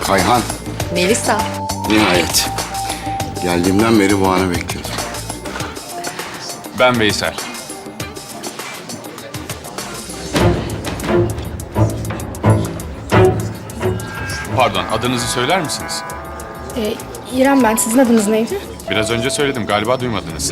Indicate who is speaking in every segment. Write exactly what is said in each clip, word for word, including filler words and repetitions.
Speaker 1: Kayhan,
Speaker 2: Melisa.
Speaker 1: nihayet. Geldiğimden beri bu anı bekliyordum.
Speaker 3: Ben Veysel. Pardon, adınızı söyler misiniz?
Speaker 4: Ee, İrem ben. Sizin adınız neydi?
Speaker 3: Biraz önce söyledim, galiba duymadınız.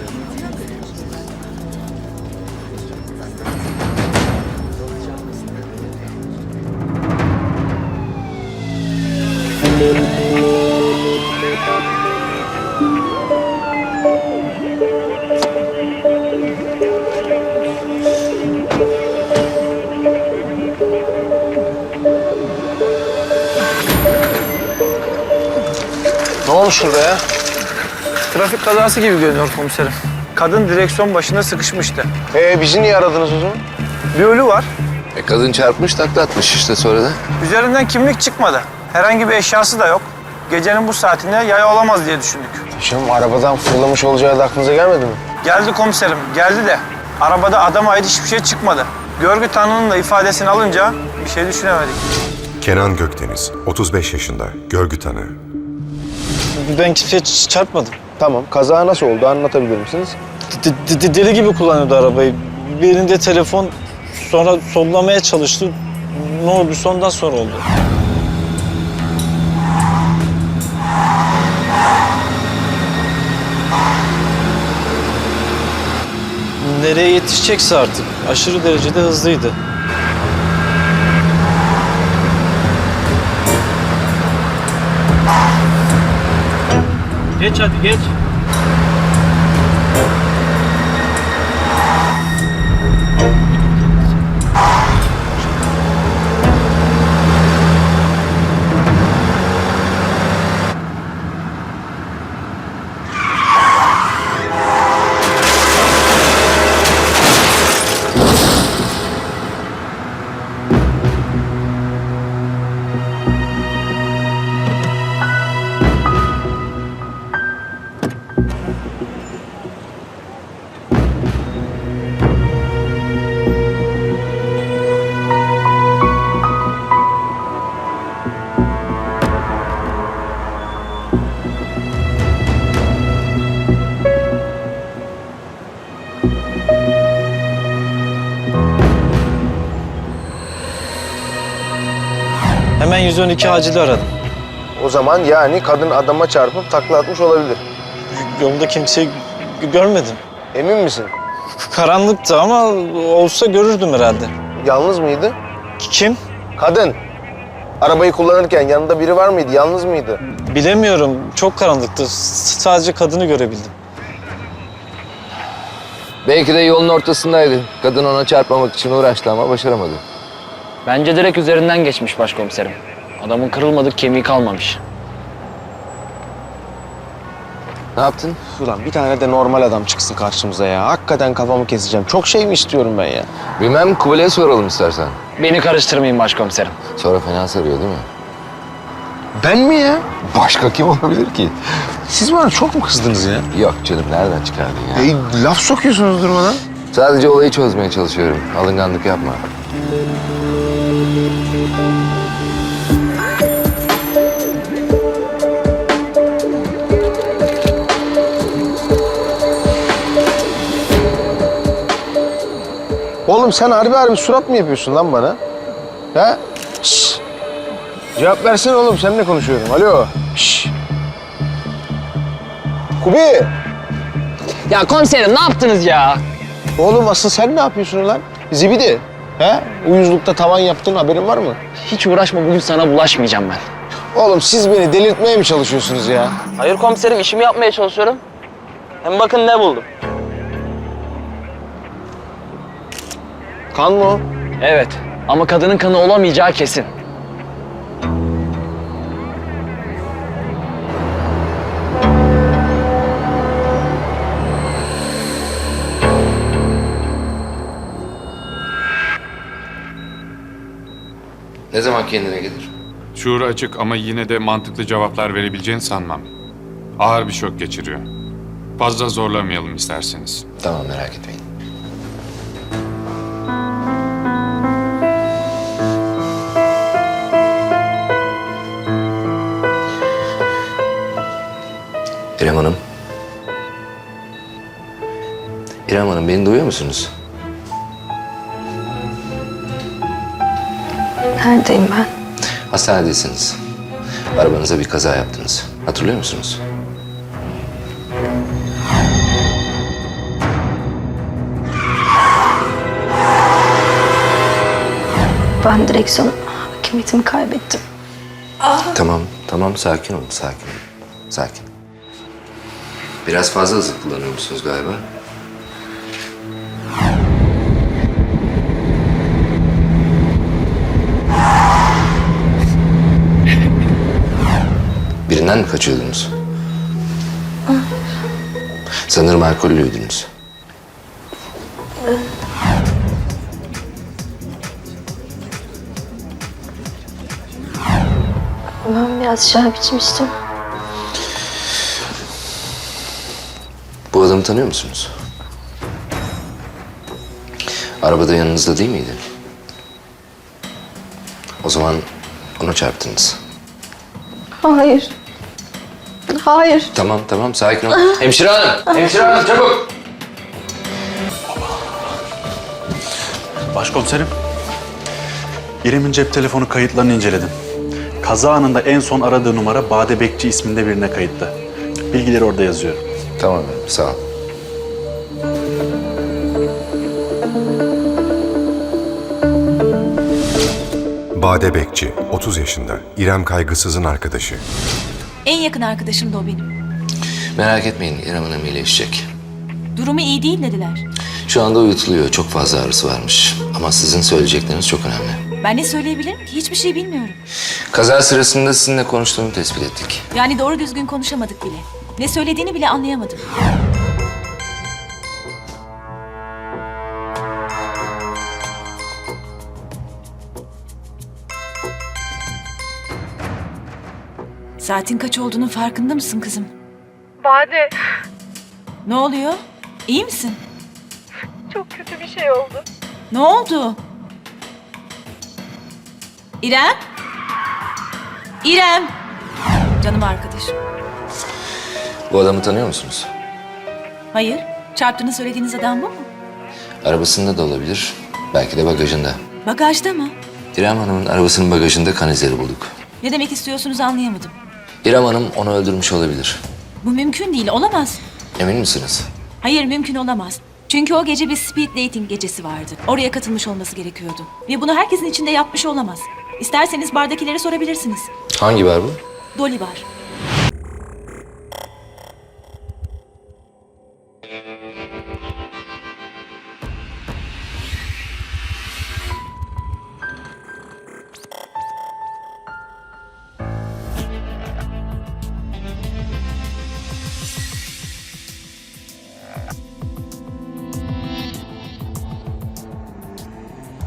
Speaker 5: Ne olmuş şurada ya? Trafik kazası gibi görünüyor komiserim. Kadın direksiyon başında sıkışmıştı.
Speaker 6: Ee bizi niye aradınız o zaman?
Speaker 5: Bir ölü var.
Speaker 6: E kadın çarpmış takla atmış işte sonra da.
Speaker 5: Üzerinden kimlik çıkmadı. Herhangi bir eşyası da yok. Gecenin bu saatinde yaya olamaz diye düşündük.
Speaker 6: Şimdi arabadan fırlamış olacağı da aklınıza gelmedi mi?
Speaker 5: Geldi komiserim, geldi de arabada adama ait hiçbir şey çıkmadı. Görgü tanığının da ifadesini alınca bir şey düşünemedik.
Speaker 7: Kenan Gökdeniz, otuz beş yaşında, görgü tanığı.
Speaker 8: Ben kimseye ç- çarpmadım.
Speaker 6: Tamam. Kaza nasıl oldu anlatabilir misiniz?
Speaker 8: D- d- deli gibi kullanıyordu arabayı. Bir elinde telefon, sonra sollamaya çalıştı. Ne oldu? Sondan sonra oldu. Nereye yetişecekse artık. Aşırı derecede hızlıydı. Geç hadi geç. Hemen yüz on iki acili aradım.
Speaker 6: O zaman yani kadın adama çarpıp takla atmış olabilir.
Speaker 8: Yolda kimseyi g- görmedim.
Speaker 6: Emin misin?
Speaker 8: Karanlıktı ama olsa görürdüm herhalde.
Speaker 6: Yalnız mıydı?
Speaker 8: Kim?
Speaker 6: Kadın. Arabayı kullanırken yanında biri var mıydı? Yalnız mıydı?
Speaker 8: Bilemiyorum. Çok karanlıktı. S- sadece kadını görebildim.
Speaker 9: Belki de yolun ortasındaydı. Kadın ona çarpmamak için uğraştı ama başaramadı.
Speaker 10: Bence direkt üzerinden geçmiş başkomiserim. Adamın kırılmadık kemiği kalmamış.
Speaker 9: Ne yaptın?
Speaker 6: Ulan bir tane de normal adam çıksın karşımıza ya. Hakikaten kafamı keseceğim. Çok şey mi istiyorum ben ya?
Speaker 9: Bilmem, Kubilay'a soralım istersen.
Speaker 10: Beni karıştırmayın başkomiserim.
Speaker 9: Sonra fena sarıyor değil mi?
Speaker 6: Ben mi ya?
Speaker 9: Başka kim olabilir ki?
Speaker 6: Siz bana çok mu kızdınız ya?
Speaker 9: Yok canım, nereden çıkardın ya?
Speaker 6: E, laf sokuyorsunuz durmadan.
Speaker 9: Sadece olayı çözmeye çalışıyorum. Alınganlık yapma.
Speaker 6: Oğlum sen harbi harbi surat mı yapıyorsun lan bana? Ha? Şşş. Cevap versene oğlum, seninle konuşuyorum. Alo. Şşş. Kubi.
Speaker 10: Ya komiserim ne yaptınız ya?
Speaker 6: Oğlum asıl sen ne yapıyorsun lan? Zibidi. He? Uyuzlukta tavan yaptın, haberin var mı?
Speaker 10: Hiç uğraşma, bugün sana bulaşmayacağım ben.
Speaker 6: Oğlum siz beni delirtmeye mi çalışıyorsunuz ya?
Speaker 10: Hayır komiserim, işimi yapmaya çalışıyorum. Hem bakın ne buldum.
Speaker 6: Kan mı o?
Speaker 10: Evet ama kadının kanı olamayacağı kesin.
Speaker 9: Ne zaman kendine gelir?
Speaker 3: Şuuru açık ama yine de mantıklı cevaplar verebileceğini sanmam. Ağır bir şok geçiriyor. Fazla zorlamayalım isterseniz.
Speaker 9: Tamam, merak etmeyin. İrem Hanım. İrem Hanım, beni duyuyor musunuz?
Speaker 4: Neredeyim ben?
Speaker 9: Hastanedesiniz. Arabanıza bir kaza yaptınız. Hatırlıyor musunuz?
Speaker 4: Ben direksiyon hakimiyetimi kaybettim.
Speaker 9: Tamam, tamam. Sakin olun, sakin olun. Sakin. Biraz fazla hızlı kullanıyormuşsunuz galiba. Birinden mi kaçıyordunuz? Sanırım alkollüydünüz.
Speaker 4: Ben biraz şarap içmiştim.
Speaker 9: Bu adamı tanıyor musunuz? Arabada yanınızda değil miydi? O zaman ona çarptınız.
Speaker 4: Hayır. Hayır.
Speaker 9: Tamam, tamam. Sakin ol. Hemşire hanım! Hemşire hanım, çabuk!
Speaker 2: Başkomiserim, İrem'in cep telefonu kayıtlarını inceledim. Kaza anında en son aradığı numara Bade Bekçi isminde birine kayıtlı. Bilgileri orada yazıyor.
Speaker 9: Tamam efendim, sağ ol.
Speaker 7: Bade Bekçi, otuz yaşında. İrem Kaygısız'ın arkadaşı.
Speaker 11: En yakın arkadaşım da o benim.
Speaker 9: Merak etmeyin, İrem Hanım iyileşecek.
Speaker 11: Durumu iyi değil dediler.
Speaker 9: Şu anda uyutuluyor. Çok fazla ağrısı varmış. Ama sizin söyleyecekleriniz çok önemli.
Speaker 11: Ben ne söyleyebilirim ki? Hiçbir şey bilmiyorum.
Speaker 9: Kaza sırasında sizinle konuştuğunu tespit ettik.
Speaker 11: Yani doğru düzgün konuşamadık bile. Ne söylediğini bile anlayamadım. Saatin kaç olduğunun farkında mısın kızım?
Speaker 4: Bade,
Speaker 11: Ne oluyor? İyi misin?
Speaker 4: çok kötü bir şey oldu.
Speaker 11: Ne oldu? İrem? İrem! Canım arkadaşım.
Speaker 9: Bu adamı tanıyor musunuz?
Speaker 11: Hayır. Çarptığını söylediğiniz adam bu mu?
Speaker 9: Arabasında da olabilir. Belki de bagajında.
Speaker 11: Bagajda mı?
Speaker 9: İrem Hanım'ın arabasının bagajında kan izleri bulduk.
Speaker 11: Ne demek istiyorsunuz anlayamadım.
Speaker 9: İrem Hanım onu öldürmüş olabilir.
Speaker 11: Bu mümkün değil, olamaz.
Speaker 9: Emin misiniz?
Speaker 11: Hayır, mümkün olamaz. Çünkü o gece bir speed dating gecesi vardı. Oraya katılmış olması gerekiyordu. Ve bunu herkesin içinde yapmış olamaz. İsterseniz bardakilere sorabilirsiniz.
Speaker 9: Hangi bar bu?
Speaker 11: Dolly var.